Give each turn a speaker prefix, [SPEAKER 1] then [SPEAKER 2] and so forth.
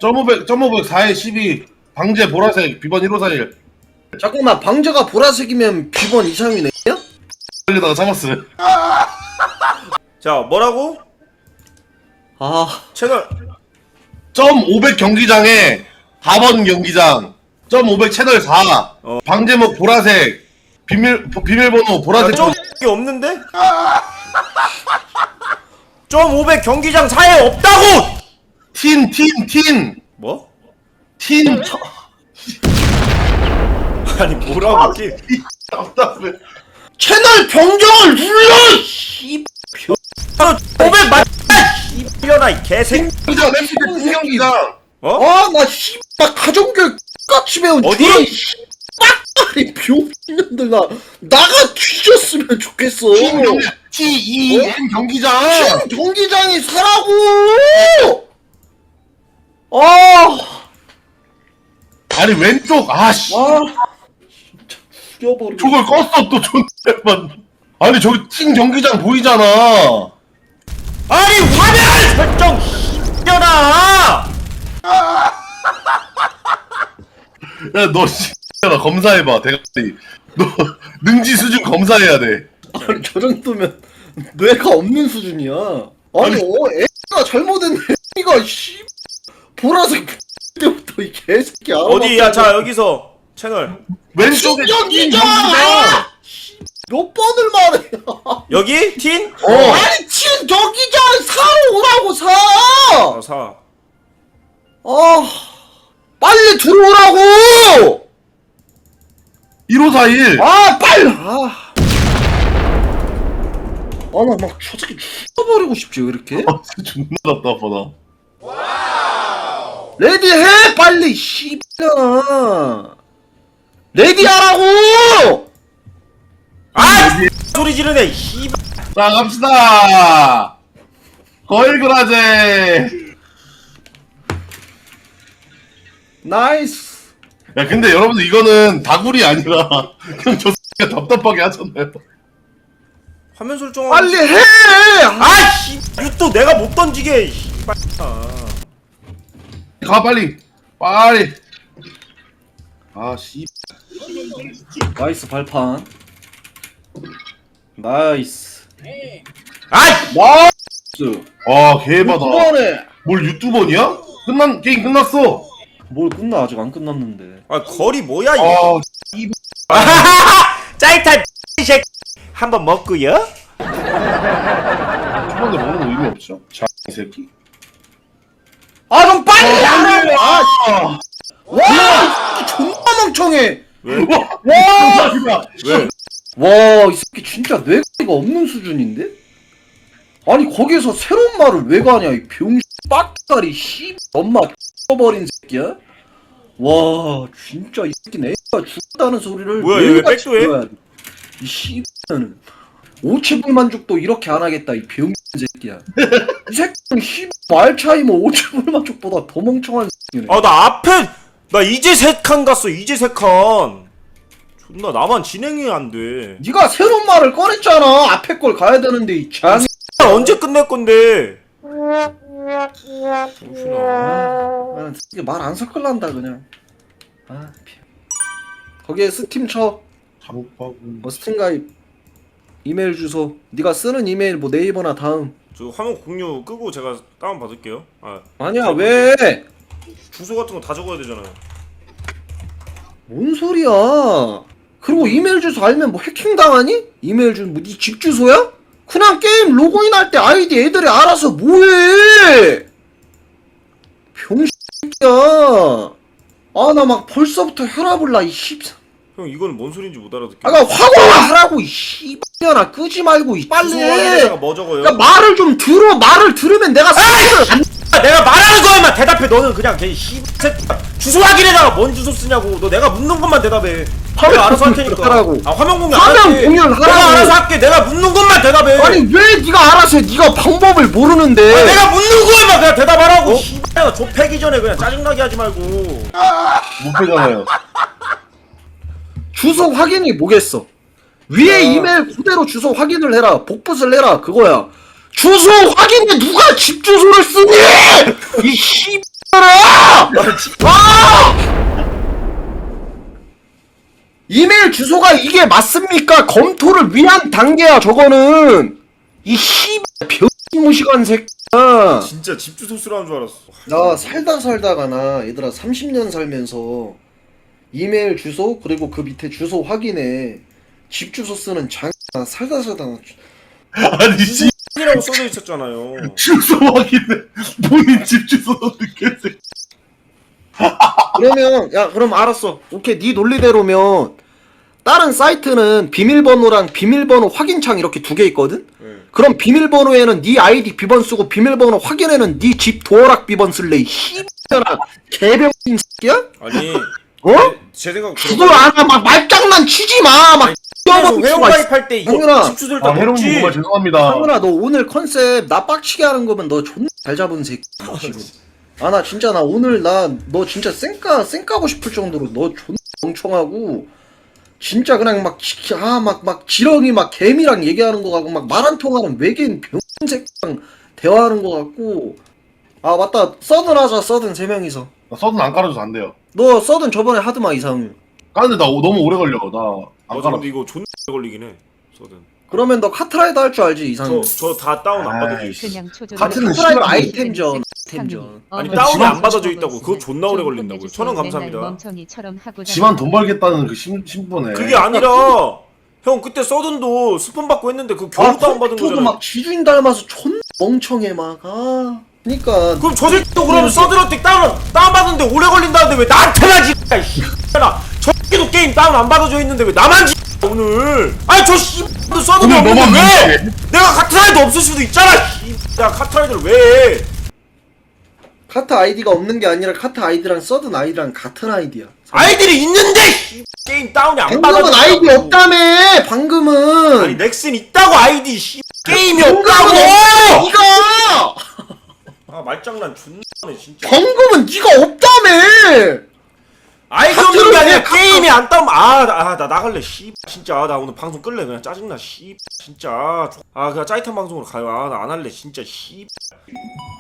[SPEAKER 1] .500 4에 12 방제 보라색 비번 1541
[SPEAKER 2] 잠깐만, 방제가 보라색이면 비번 232네?
[SPEAKER 1] 걸려다가 참았어요.
[SPEAKER 3] 자, 뭐라고?
[SPEAKER 2] 아,
[SPEAKER 3] 채널.
[SPEAKER 1] .500 경기장에 4번 경기장 .500 채널 4 방제목 보라색 비밀번호 보라색
[SPEAKER 3] 좀 이게 없는데? 좀 500 경기장 사이에 없다고!
[SPEAKER 1] 틴
[SPEAKER 3] 뭐? 아니 뭐라고 지
[SPEAKER 1] 답답해.
[SPEAKER 2] 채널 변경을 눌러! 씨.
[SPEAKER 3] 500 맞. 이려나 이 개새끼.
[SPEAKER 1] 경기장 MBC 경기장
[SPEAKER 3] 어?
[SPEAKER 2] 아, 나 씨발 가정교육 같이 배운
[SPEAKER 3] 어디?
[SPEAKER 2] 저런 빡빡이 병신년들 나가 뒤졌으면 좋겠어.
[SPEAKER 1] TEN 경기장
[SPEAKER 2] 팀 경기장이 사라고! 아,
[SPEAKER 1] 아니 왼쪽 아씨
[SPEAKER 2] 진짜 죽여버리고.
[SPEAKER 1] 저걸 껐어 또 존댓만. 아니 저기 팀 경기장 보이잖아.
[SPEAKER 3] 아니 화면 설정 이려나.
[SPEAKER 1] 야너 나 검사해봐 대가리. 너 능지 수준 검사해야 돼.
[SPEAKER 2] 아니, 저 정도면 뇌가 없는 수준이야. 아니, 애가 잘못했네. 애가 씨 보라색 때부터 이 개새끼 알아.
[SPEAKER 3] 어디야? 자 여기서 채널
[SPEAKER 1] 왼쪽에 팀
[SPEAKER 2] 경기장!
[SPEAKER 1] 경기장.
[SPEAKER 2] 몇 번을 말해.
[SPEAKER 3] 여기 틴?
[SPEAKER 2] 아니, 친 경기장 사러 오라고 사.
[SPEAKER 3] 사.
[SPEAKER 2] 아, 빨리 들어오라고.
[SPEAKER 1] 1541
[SPEAKER 2] 아, 빨리. 나 막 저 새끼 죽여버리고 싶지 왜 이렇게?
[SPEAKER 1] 존나 답답하다.
[SPEAKER 2] 레디해 빨리 씨발아. 레디하라고.
[SPEAKER 3] 아! 소리 지르네. 씨발.
[SPEAKER 1] 자 갑시다. 걸그라제.
[SPEAKER 2] 나이스.
[SPEAKER 1] 야 근데 여러분들 이거는 다굴이 아니라 그냥 저 X가 답답하게 하잖아요.
[SPEAKER 3] 화면 설정.
[SPEAKER 2] 빨리 해.
[SPEAKER 3] 아 씨. 유또 내가 못 던지게. 씨발.
[SPEAKER 1] 가 빨리 아씨
[SPEAKER 2] 나이스 발판. 나이스.
[SPEAKER 3] 아이.
[SPEAKER 2] 나이스.
[SPEAKER 1] 아 개바다.
[SPEAKER 2] 이번에
[SPEAKER 1] 뭘 유튜버냐? 게임 끝났어.
[SPEAKER 2] 뭘 끝나? 아직 안 끝났는데.
[SPEAKER 3] 아 거리 뭐야 이거?
[SPEAKER 1] 아
[SPEAKER 3] 짜이탈 색 한번 먹고요.
[SPEAKER 1] 초반에 먹는 거 의미 없죠. 자 이 새끼.
[SPEAKER 2] 아, 좀 빨리 하라고.
[SPEAKER 1] 아
[SPEAKER 2] 와, 이 새끼 존나 멍청해.
[SPEAKER 3] 왜?
[SPEAKER 1] 와
[SPEAKER 3] 왜?
[SPEAKER 2] 와, 이 새끼 진짜 뇌가 없는 수준인데? 아니, 거기에서 새로운 말을 왜 가냐, 이 병신 빡다리 씨 엄마 X버린 새끼야? 와, 진짜 이 새끼는 애가 죽었다는 소리를
[SPEAKER 3] 뭐야, 얘 왜
[SPEAKER 2] 매일같이
[SPEAKER 3] 백도해?
[SPEAKER 2] 들어야 돼. 이 씨는 오체불만족도 이렇게 안 하겠다, 이 병신 새끼야. 이 새끼는 씨 말 차이 뭐 오체불만족보다 더 멍청한 새끼네.
[SPEAKER 3] 아 나 앞에 나 이제 3칸 갔어. 이제 3칸. 존나 나만 진행이 안 돼.
[SPEAKER 2] 네가 새로운 말을 꺼냈잖아. 앞에 걸 가야 되는데 이 장이.
[SPEAKER 3] 언제 끝낼 건데? 정신아.
[SPEAKER 2] 말안 섞을란다 그냥. 거기에 스팀 쳐.
[SPEAKER 1] 잘못하고
[SPEAKER 2] 스팀 가입. 이메일 주소. 네가 쓰는 이메일 뭐 네이버나 다음.
[SPEAKER 3] 저 화면 공유 끄고 제가 다운 받을게요.
[SPEAKER 2] 아니야 왜?
[SPEAKER 3] 주소 같은 거 다 적어야 되잖아요.
[SPEAKER 2] 뭔 소리야? 그리고 이메일 주소 알면 뭐 해킹 당하니? 이메일 주소 뭐 네 집 주소야? 그냥 게임 로그인 할 때 아이디 애들이 알아서 뭐해? 병신이야. 나 막 벌써부터 혈압을 나 이 씹.
[SPEAKER 3] 형 이거는 뭔 소린지 못 알아듣게.
[SPEAKER 2] 화공하라고 이 씨발년아 끄지 말고 이 빨리
[SPEAKER 3] 주소
[SPEAKER 2] 해.
[SPEAKER 3] 확인에다가 뭐 적어요?
[SPEAKER 2] 그러니까 말을 좀 들어. 말을 들으면 내가
[SPEAKER 3] 내가 말하는 거에만 대답해. 너는 그냥 걔 씨발 주소 확인에다가 뭔 주소 쓰냐고. 너 내가 묻는 것만 대답해. 내가 알아서 할 테니까.
[SPEAKER 2] 하라고.
[SPEAKER 3] 화면 공유
[SPEAKER 2] 화면
[SPEAKER 3] 안 할게.
[SPEAKER 2] 공유를
[SPEAKER 3] 내가
[SPEAKER 2] 하라고.
[SPEAKER 3] 알아서 할게. 내가 묻는 것만 대답해.
[SPEAKER 2] 아니 왜 네가 알아서 해? 네가 방법을 모르는데.
[SPEAKER 3] 내가 묻는 거에만 그냥 대답하라고. 씨발 좁히기 전에 그냥 짜증나게 하지 말고.
[SPEAKER 1] 못 패잖아요.
[SPEAKER 2] 주소 확인이 뭐겠어? 위에 이메일 그대로 주소 확인을 해라. 복붙을 해라. 그거야. 주소 확인에 누가 집 주소를 쓰니? 이 씨발아! 이메일 주소가 이게 맞습니까? 검토를 위한 단계야 저거는. 이 씨발 병무시간 새끼야.
[SPEAKER 3] 진짜 집 주소 쓰라는 줄 알았어.
[SPEAKER 2] 나 살다가 나 얘들아 30년 살면서 이메일 주소 그리고 그 밑에 주소 확인해. 집 주소 쓰는 장나 살다 나
[SPEAKER 1] 아니 씨
[SPEAKER 3] 이라고 써져 있었잖아요.
[SPEAKER 1] 주소 확인해. 본인 집 주소 넣겠어.
[SPEAKER 2] 그러면 야 그럼 알았어. 오케이 네 논리대로면 다른 사이트는 비밀번호랑 비밀번호 확인창 이렇게 두 개 있거든?
[SPEAKER 3] 네.
[SPEAKER 2] 그럼 비밀번호에는 네 아이디 비번 쓰고 비밀번호 확인에는 네 집 도어락 비번 쓸래 이 씨X나 개병신 새끼야?
[SPEAKER 3] 아니
[SPEAKER 2] 어?
[SPEAKER 3] 제 생각
[SPEAKER 2] 그걸 알아 막 말장난 치지 마막
[SPEAKER 3] 회원 가입할 때 이거
[SPEAKER 2] 형준아.
[SPEAKER 3] 집 주소를 다
[SPEAKER 1] 아 해롱님
[SPEAKER 3] 넣지.
[SPEAKER 1] 정말 죄송합니다.
[SPEAKER 2] 상훈아 너 오늘 컨셉 나 빡치게 하는 거면 너 존나 잘 잡은 새끼야 지금. 아 나 진짜 나 오늘 나 너 진짜 쌩까고 싶을 정도로 너 존나 멍청하고 진짜 그냥 막 지렁이 막 개미랑 얘기하는 거 같고 막 말 안 통하는 외계인 병새끼랑 대화하는 거 같고. 아 맞다 서든 하자 서든 3명이서.
[SPEAKER 1] 나 서든 안 깔아줘서 안 돼요.
[SPEAKER 2] 너 서든 저번에 하드마 이상윤.
[SPEAKER 1] 까는데 나 너무 오래 걸려. 나 안
[SPEAKER 3] 맞아
[SPEAKER 1] 깔아.
[SPEAKER 3] 근데 이거 존나 오래 걸리긴 해. 서든.
[SPEAKER 2] 그러면 너 카트라이더 할 줄 알지 이상윤?
[SPEAKER 3] 저 다 다운 안 받아져 있어.
[SPEAKER 4] 그냥 초조.
[SPEAKER 1] 같은
[SPEAKER 2] 카트라이더
[SPEAKER 1] 시간
[SPEAKER 2] 아이템전.
[SPEAKER 3] 아니
[SPEAKER 1] 근데
[SPEAKER 3] 다운이
[SPEAKER 1] 지만
[SPEAKER 3] 안 받아져 있다고. 그거 존나 오래 걸린다고요. 1000원 감사합니다.
[SPEAKER 4] 멍청이처럼 하고
[SPEAKER 1] 지만 돈 벌겠다는 그 신분에.
[SPEAKER 3] 그게 아니라 형 그때 서든도 스폰 받고 했는데 그 겨우 다운 받은
[SPEAKER 2] 컴퓨터도
[SPEAKER 3] 거잖아.
[SPEAKER 2] 막 지주인 닮아서 존나 멍청해 막. 아. 그니까
[SPEAKER 3] 그럼 저 새끼도 그러면 서든한테 다운 받는데 오래 걸린다는데 왜 나한테만 지나 씨발아. 저 새끼도 게임 다운 안 받아져 있는데 왜 나만 지 오늘. 아니 저 씨발도 서든이
[SPEAKER 1] 오늘
[SPEAKER 3] 없는데
[SPEAKER 1] 너만
[SPEAKER 3] 왜? 내가 카트라이더 없을 수도 있잖아. 야 카트라이더를 왜 해?
[SPEAKER 2] 카트 아이디가 없는 게 아니라 카트 아이디랑 서든 아이디랑 같은 아이디야.
[SPEAKER 3] 아이들이 있는데 씨, 게임 다운이 안 받아져.
[SPEAKER 2] 방금은 아이디 없다며. 방금은.
[SPEAKER 3] 아니 넥슨 있다고 아이디 씨 게임이
[SPEAKER 2] 방금은
[SPEAKER 3] 없다고.
[SPEAKER 2] 없다며, 네가.
[SPEAKER 3] 아 말장난 존나네 진짜.
[SPEAKER 2] 방금은 네가 없다며.
[SPEAKER 3] 아이디 없는 게 아니라 게임이 안 다운. 나 나갈래 씨 진짜. 나 오늘 방송 끌래 그냥 짜증나 씨 진짜. 그냥 짜릿한 방송으로 가요. 나 안 할래 진짜 씨.